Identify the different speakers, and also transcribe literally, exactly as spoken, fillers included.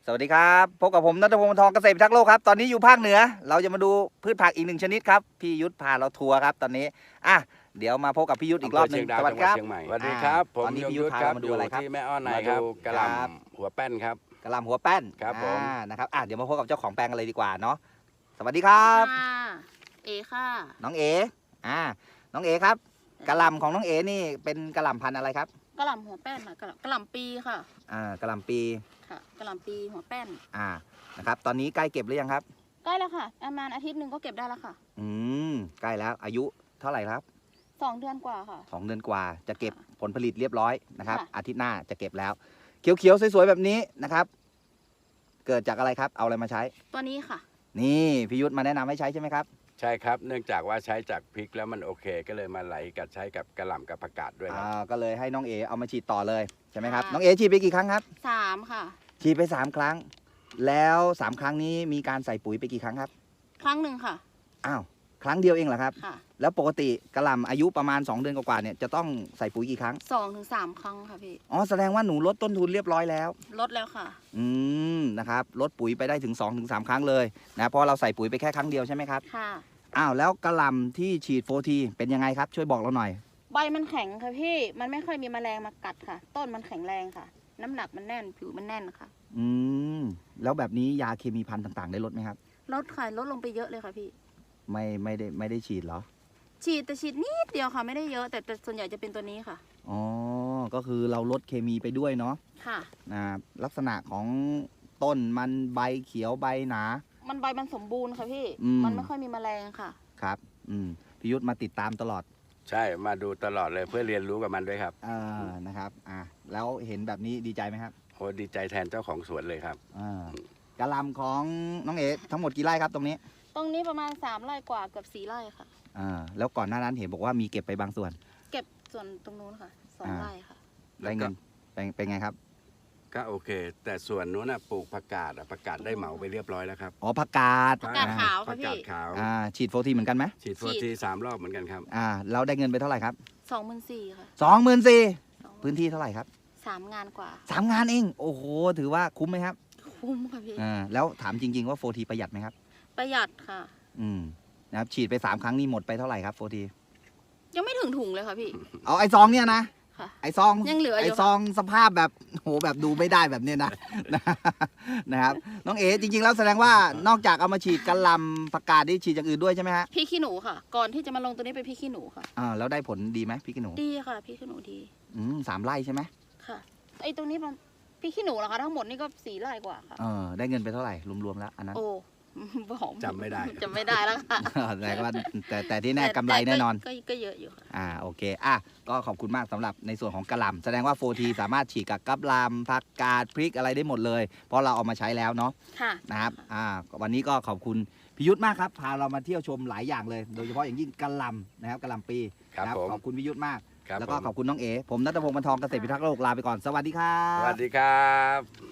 Speaker 1: สวัสดีครับพบกับผมณัฐพงศ์ ทองเกษตรพิทักษ์โลกครับตอนนี้อยู่ภาคเหนือเราจะมาดูพืชผักอีกหนึ่งชนิดครับพี่ยุทธพาเราทัวร์ครับตอนนี้อ่ะเดี๋ยวมาพบกับพี่ยุทธอีกรอบหนึ่งสวัสดีครับ
Speaker 2: สวัสดีครับผม
Speaker 1: ตอนนี้พี่ยุทธพาเรามาดูอะไรครับ
Speaker 2: ที่แม่อ้อนในครับกระหล่ำหัวแป้นครับ
Speaker 1: กระหล่ำหัวแป้น
Speaker 2: ครับผม
Speaker 1: นะครับอ่ะเดี๋ยวมาพบกับเจ้าของแปลงกันเลยดีกว่าเนาะสวัสดีครับ
Speaker 3: เอค่ะ
Speaker 1: น้องเออ่าน้องเอครับกระหล่ำของน้องเอนี่เป็นกระหล่ำพันธุ์อะไรครับ
Speaker 3: กระหล่ำหัวแป้นค่ะกระหล่ำปีค่ะ
Speaker 1: อ่ากระหล่ำปี
Speaker 3: ค่ะกระหล่ำปีหัวแป้น
Speaker 1: อ่านะครับตอนนี้ใกล้เก็บหรือยังครับ
Speaker 3: ใกล้แล้วค่ะประมาณอาทิตย์หนึ่งก็เก็บได้แล้วค่ะ
Speaker 1: อืมใกล้แล้วอายุเท่าไหร่ครับ
Speaker 3: สองเดือนกว่าค่ะ
Speaker 1: สองเดือนกว่าจะเก็บผลผลิตเรียบร้อยนะครับอาทิตย์หน้าจะเก็บแล้วเขียวๆสวยๆแบบนี้นะครับเกิดจากอะไรครับเอาอะไรมาใช้
Speaker 3: ตัวนี้ค่ะ
Speaker 1: นี่พี่ยุทธมาแนะนำให้ใช้ใช่ไหมครับ
Speaker 2: ใช่ครับเนื่องจากว่าใช้จากพริกแล้วมันโอเคก็เลยมาไหลกับใช้กับกระหล่ำกับผักกาดด้วยครับ
Speaker 1: อ่าก็เลยให้น้องเอเอามาฉีดต่อเลยใช่ไหมครับน้องเอฉีดไปกี่ครั้งครับ
Speaker 3: สามค่ะ
Speaker 1: ฉีดไปสามครั้งแล้วสามครั้งนี้มีการใส่ปุ๋ยไปกี่ครั้งครับ
Speaker 3: ครั้งหนึ่งค่ะ
Speaker 1: อ้าวครั้งเดียวเองเหรอครับ
Speaker 3: ค่ะ
Speaker 1: แล้วปกติกระหล่ำอายุประมาณสองเดือนกว่าๆเนี่ยจะต้องใส่ปุ๋ยกี่ครั้ง
Speaker 3: สองถึงสามครั้งค่ะพี่
Speaker 1: อ๋อแสดงว่าหนูลดต้นทุนเรียบร้อยแล้ว
Speaker 3: ลดแล้วค่ะ
Speaker 1: อืมนะครับลดปุ๋ยไปได้ถึงสองถึงสามครั้งเลยนะเพราะเราใส่ปุ๋ยไปแค่ครั้งเดียวใช่ไหมครับ
Speaker 3: ค่ะ
Speaker 1: อ้าวแล้วกระหล่ำที่ฉีดโฟทีเป็นยังไงครับช่วยบอกเราหน่อย
Speaker 3: ใบมันแข็งค่ะพี่มันไม่ค่อยมีแมลงมากัดค่ะต้นมันแข็งแรงค่ะน้ำหนักมันแน่นผิวมันแน่นค่ะ
Speaker 1: อืมแล้วแบบนี้ยาเคมีพันธุ์ต่างๆได้ลดไหมครับ
Speaker 3: ลดค่ะลดลงไปเยอะเลยค่ะพี่
Speaker 1: ไม่ไม่ได้ไม่ได้ฉีดเหรอ
Speaker 3: ฉีดแต่ฉีดนิดเดียวค่ะไม่ได้เยอะแต่แต่ส่วนใหญ่จะเป็นตัวนี้ค่ะ
Speaker 1: อ๋อก็คือเราลดเคมีไปด้วยเนาะ
Speaker 3: ค่ะ
Speaker 1: นะลักษณะของต้นมันใบเขียวใบหนา
Speaker 3: มันใบมันสมบูรณ์ค่ะพี่มันไม่ค่อยมีแมลงค่ะ
Speaker 1: ครับอืมพี่ยุทธมาติดตามตลอด
Speaker 2: ใช่มาดูตลอดเลยเพื่อเรียนรู้กับมันด้วยครับ
Speaker 1: อ่านะครับอ่าแล้วเห็นแบบนี้ดีใจไหมครับ
Speaker 2: โหดีใจแทนเจ้าของสวนเลยครับ
Speaker 1: อ่ากระหล่ำของน้องเอ๋ทั้งหมดกี่ไร่ครับตรงนี้
Speaker 3: ตรงนี้ประมาณสามไร่กว่าเกือบสี่ไร่ค่ะ
Speaker 1: อ่าแล้วก่อนหน้านั้นเห็นบอกว่ามีเก็บไปบางส่วน
Speaker 3: เก็บส่วนตรงนู้นค่ะสองไร่ค่ะ
Speaker 1: ได้เงินเป็นเป็นไงครับ
Speaker 2: ก็โอเค แต่ส่วนนู้นนะปลูกผักกาดผักกาดได้เหมาไปเรียบร้อยแล้วครับ
Speaker 1: อ๋อผักกาด
Speaker 3: ผักกาดขาว
Speaker 2: ผั
Speaker 3: ค่ะ
Speaker 2: กกาด
Speaker 3: พี่
Speaker 2: ขาว
Speaker 1: อ่าฉีดโฟทีเหมือนกันไหม
Speaker 2: ฉีดโฟทีสามรอบเหมือนกันครับ
Speaker 1: อ่าเราได้เงินไปเท่าไหร่ครับ
Speaker 3: สองหมื่นสี่ค่ะ
Speaker 1: สองหมื่นสี่พื้นที่เท่าไหร่ครับ
Speaker 3: สามงานกว่า
Speaker 1: สามงานเองโอ้โหถือว่าคุ้มไหมครับ
Speaker 3: คุ้มค่ะพี่
Speaker 1: อ่าแล้วถามจริงๆว่าโฟทีประหยัดไหมครับ
Speaker 3: ประหยัดค่ะ
Speaker 1: อืมนะครับฉีดไปสามครั้งนี่หมดไปเท่าไหร่ครับโฟที
Speaker 3: ยังไม่ถึงถุงเลยค่ะพี่
Speaker 1: เอาไอซองเนี่ยนะไอซอง
Speaker 3: ยังเหลือ
Speaker 1: ไอซองสภาพแบบโหแบบดูไม่ได้แบบเนี้ยนะนะครับน้องเอ๋จริงๆแล้วแสดงว่านอกจากเอามาฉีดกระหล่ำผักกาดนี่ฉีดอย่างอื่นด้วยใช่ไหมฮะ
Speaker 3: พี่ขี้หนูค่ะก่อนที่จะมาลงตัวนี้เป็นพี่ขี้หนูค่ะ
Speaker 1: อ่าแล้วได้ผลดีไหมพี่ขี้หนู
Speaker 3: ดีค่ะพี่ขี้หนูดี
Speaker 1: อืมสามไร่ใช่ไหม
Speaker 3: ค่ะไอตรงนี้พี่ขี้หนูเหรอคะทั้งหมดนี่ก็สี่ไร่กว่าค่ะ
Speaker 1: เออได้เงินไปเท่าไหร่รวมๆแล้วอันนั้น
Speaker 3: โอ้บอก
Speaker 2: จำไม่ได้
Speaker 3: จำไม่ได้แล้วค่ะ
Speaker 1: แต่ว่าแต่แต่ที่แน่กำไรแน่นอน
Speaker 3: ก็เยอะอยู่ค่ะ
Speaker 1: อ่าโอเคอ่ะก็ขอบคุณมากสำหรับในส่วนของกระหล่ำแสดงว่าโฟทีสามารถฉีดกับกระหล่ำผักกาดพริกอะไรได้หมดเลยเพราะเราเอามาใช้แล้วเนาะ
Speaker 3: ค่ะ
Speaker 1: นะครับอ่าวันนี้ก็ขอบคุณพิยุทธมากครับพาเรามาเที่ยวชมหลายอย่างเลยโดยเฉพาะอย่างยิ่งกระหล่ำนะครับกระหล่ำปี
Speaker 2: ครับ
Speaker 1: ขอบคุณพิยุทธมาก
Speaker 2: แล้ว
Speaker 1: ก็ขอบคุณน้องเอ๋ผมณัฐพงศ์ บรรทองเกษตรพิทักษ์โลกลาไปก่อนสวัสดีครับ
Speaker 2: สวัสดีครับ